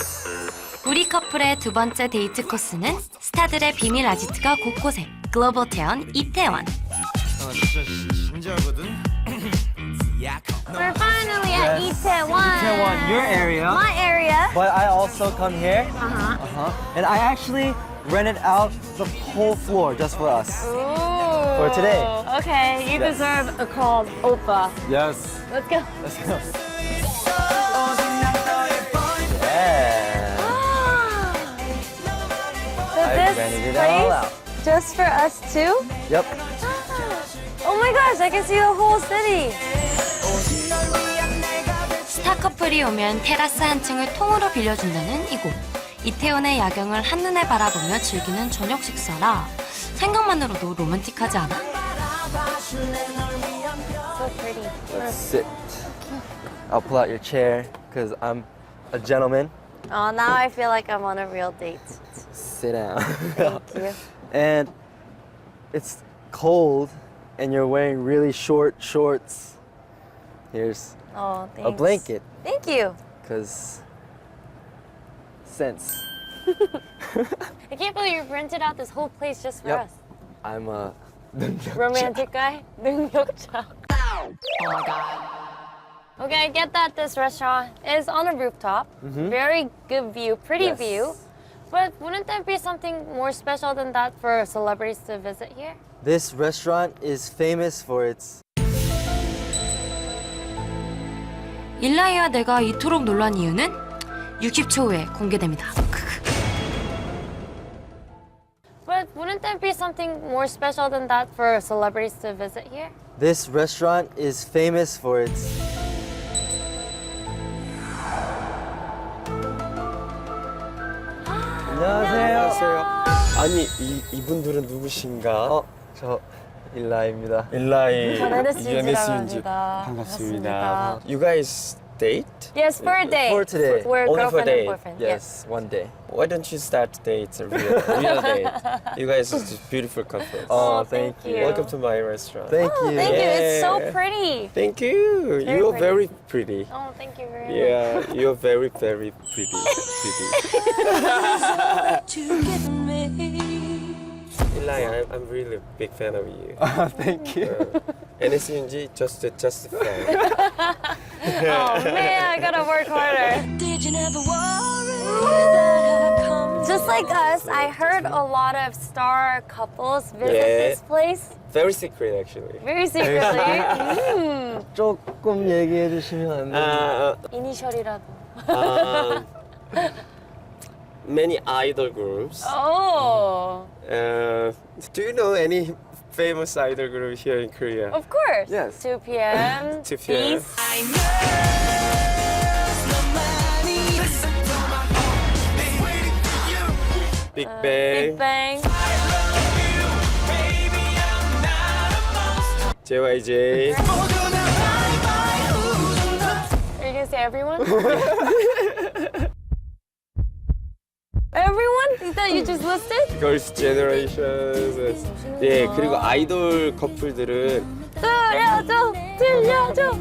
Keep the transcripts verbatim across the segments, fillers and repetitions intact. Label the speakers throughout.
Speaker 1: 우리 커플의 두 번째 데이트 코스는 스타들의 비밀 아지트가 곳곳에 글로벌 타운 이태원.
Speaker 2: 아 진짜 신기하거든.
Speaker 3: We're finally at Itaewon.
Speaker 4: Itaewon, your area.
Speaker 3: My area.
Speaker 4: But I also come here.
Speaker 3: Uh-huh.
Speaker 4: Uh-huh. And I actually rented out the whole floor just for us.
Speaker 3: Ooh.
Speaker 4: For today.
Speaker 3: Okay, you
Speaker 4: Yes.
Speaker 3: deserve a call, Oppa.
Speaker 4: Yes.
Speaker 3: Let's go.
Speaker 4: Let's go. Yeah.
Speaker 3: So
Speaker 4: I
Speaker 3: this
Speaker 4: rented it
Speaker 3: place
Speaker 4: all out.
Speaker 3: just for us too?
Speaker 4: Yep.
Speaker 3: Oh my gosh, I can see the whole city.
Speaker 1: 스타 커플이 오면 테라스 한 층을 통으로 빌려준다는 이곳. 이태원의 야경을 한눈에 바라보며 즐기는 저녁 식사라 생각만으로도 로맨틱하지 않아?
Speaker 3: So pretty.
Speaker 4: Let's sit. I'll pull out your chair because I'm a gentleman.
Speaker 3: Oh, now I feel like I'm on a real date.
Speaker 4: Sit down.
Speaker 3: Thank you.
Speaker 4: And it's cold and you're wearing really short shorts. Here's
Speaker 3: Oh, thanks.
Speaker 4: a blanket
Speaker 3: Thank you.
Speaker 4: because sense.
Speaker 3: I can't believe you rented out this whole place just for
Speaker 4: Yep.
Speaker 3: us.
Speaker 4: I'm a
Speaker 3: Romantic guy? 능력자. Oh my god. Okay, I get that this restaurant is on a rooftop. Very good view, pretty
Speaker 4: Yes.
Speaker 3: view. But wouldn't there be something more special than that for celebrities to visit here?
Speaker 4: This restaurant is famous for its
Speaker 1: 일라이와 내가 이토록 놀란 이유는 육십 초 후에 공개됩니다.
Speaker 3: But wouldn't there be something more special than that for celebrities to visit here?
Speaker 4: This restaurant is famous for its 안녕하세요.
Speaker 2: 아니 이 이분들은 누구신가?
Speaker 4: 어, 저 일라입니다.
Speaker 2: 일라이
Speaker 3: 전 에너지
Speaker 2: 유엔에스인지
Speaker 3: 인지라고
Speaker 2: 반갑습니다.
Speaker 3: 반갑습니다.
Speaker 2: You guys date?
Speaker 3: Yes, for a date.
Speaker 4: For today.
Speaker 3: We're
Speaker 2: Only for
Speaker 3: girlfriend
Speaker 2: date.
Speaker 3: and boyfriend.
Speaker 4: Yes, one day.
Speaker 2: Why don't you start dates a real real date? You guys are just beautiful couples.
Speaker 4: Oh,
Speaker 3: thank
Speaker 4: thank you.
Speaker 3: you.
Speaker 2: Welcome to my restaurant.
Speaker 4: Thank
Speaker 3: Oh,
Speaker 4: you.
Speaker 3: thank you. It's so
Speaker 2: Yeah.
Speaker 3: pretty.
Speaker 2: Thank you.
Speaker 3: Very
Speaker 2: You're
Speaker 3: pretty.
Speaker 2: very pretty.
Speaker 3: Oh, thank you very much.
Speaker 2: Yeah, you're very very pretty. pretty. Eli, I'm, I'm really a big fan of you.
Speaker 4: Thank you.
Speaker 2: 에스엔지 just just a fan.
Speaker 3: Oh man, I gotta work harder. Just like us, I heard a lot of star couples visit
Speaker 2: Yeah.
Speaker 3: this place
Speaker 2: Very secret actually.
Speaker 3: very secretly. 음,
Speaker 4: 조금 얘기해 주시면 안 돼요?
Speaker 2: Uh,
Speaker 3: 이니셜이라도.
Speaker 2: um, many idol groups.
Speaker 3: Oh,
Speaker 2: Uh, do you know any famous idol group here in Korea?
Speaker 3: of course.
Speaker 4: Yes.
Speaker 3: two p m
Speaker 2: two p m.
Speaker 3: Beast.
Speaker 2: Big
Speaker 3: Uh,
Speaker 2: Bang,
Speaker 3: Big Bang.
Speaker 2: J Y J.
Speaker 3: Are you gonna say everyone? Everyone that you just listed?
Speaker 2: Girls' Generation. 예, 그리고 아이돌 커플들은
Speaker 3: 들려줘, 들려줘.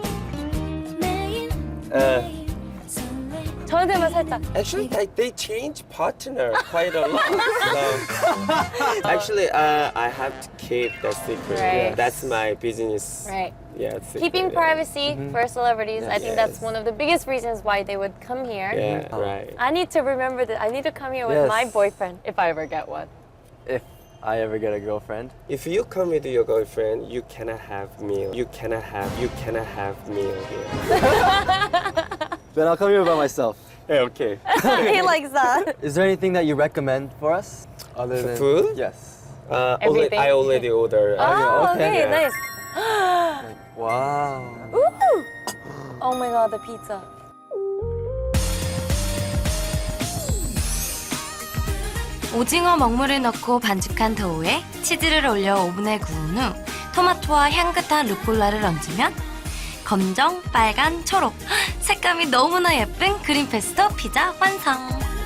Speaker 2: uh,
Speaker 3: 저한테만 살짝.
Speaker 2: actually like they change partner quite a lot. So, actually, uh, I have to keep that secret.
Speaker 3: Right.
Speaker 2: That's my business.
Speaker 3: Right.
Speaker 2: Yeah, secret,
Speaker 3: Keeping
Speaker 2: yeah.
Speaker 3: privacy for celebrities, I think that's
Speaker 2: Yes.
Speaker 3: one of the biggest reasons why they would come here.
Speaker 2: Yeah, right.
Speaker 3: I need to remember that I need to come here with
Speaker 4: Yes.
Speaker 3: my boyfriend if I ever get one.
Speaker 4: If I ever get a girlfriend.
Speaker 2: If you come with your girlfriend, you cannot have meal. You cannot have. You cannot have meal here.
Speaker 4: Then I'll come here by myself.
Speaker 2: Yeah, okay.
Speaker 3: He likes that.
Speaker 4: Is there anything that you recommend for us? Other
Speaker 2: For
Speaker 4: than
Speaker 2: food?
Speaker 4: Yes.
Speaker 2: Uh, already,
Speaker 3: Everything.
Speaker 2: I already ordered.
Speaker 3: Oh, okay,
Speaker 2: Yeah.
Speaker 3: nice.
Speaker 4: Wow.
Speaker 3: Ooh. Oh my god, the pizza.
Speaker 1: 오징어 먹물을 넣고 반죽한 도우에 치즈를 올려 오븐에 구운 후 토마토와 향긋한 루꼴라를 얹으면 검정, 빨간, 초록 색감이 너무나 예쁜 그린 페스토 피자 완성!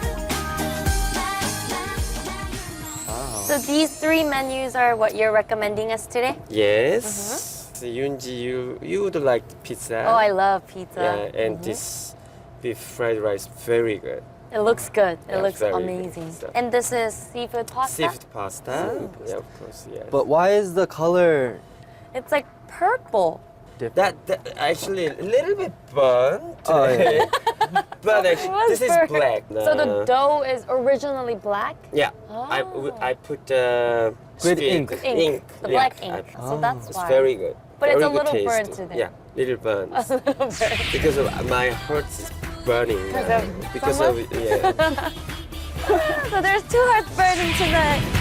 Speaker 3: So these three menus are what you're recommending us today?
Speaker 2: Yes. So Yoonji, you you would like pizza.
Speaker 3: Oh, I love pizza.
Speaker 2: Yeah, and this beef fried rice, very good.
Speaker 3: It looks good. It
Speaker 2: Yeah,
Speaker 3: looks
Speaker 2: very good
Speaker 3: amazing.
Speaker 2: stuff.
Speaker 3: And this is seafood pasta?
Speaker 2: Seafood pasta. Yeah, of course, yes.
Speaker 4: But why is the color
Speaker 3: It's like purple.
Speaker 4: different?
Speaker 2: that, that actually a little bit burnt.
Speaker 4: Oh, yeah.
Speaker 2: But actually,
Speaker 3: was
Speaker 2: this is
Speaker 3: burnt.
Speaker 2: black.
Speaker 3: So the
Speaker 2: Uh,
Speaker 3: dough is originally black?
Speaker 2: Yeah, I,
Speaker 3: Oh.
Speaker 2: I put uh,
Speaker 4: With
Speaker 2: sweet
Speaker 4: ink.
Speaker 3: Ink. The
Speaker 2: yeah,
Speaker 3: black
Speaker 2: I-
Speaker 3: ink. So that's
Speaker 2: It's
Speaker 3: why.
Speaker 2: very good.
Speaker 3: But it's
Speaker 2: Very
Speaker 3: a
Speaker 2: good
Speaker 3: little
Speaker 2: taste.
Speaker 3: burnt to them.
Speaker 2: Yeah, little burnt.
Speaker 3: A little bit.
Speaker 2: Because of my heart is burning.
Speaker 3: Because
Speaker 2: now.
Speaker 3: of
Speaker 2: Because
Speaker 3: someone?
Speaker 2: of yeah.
Speaker 3: So there's two hearts burning tonight.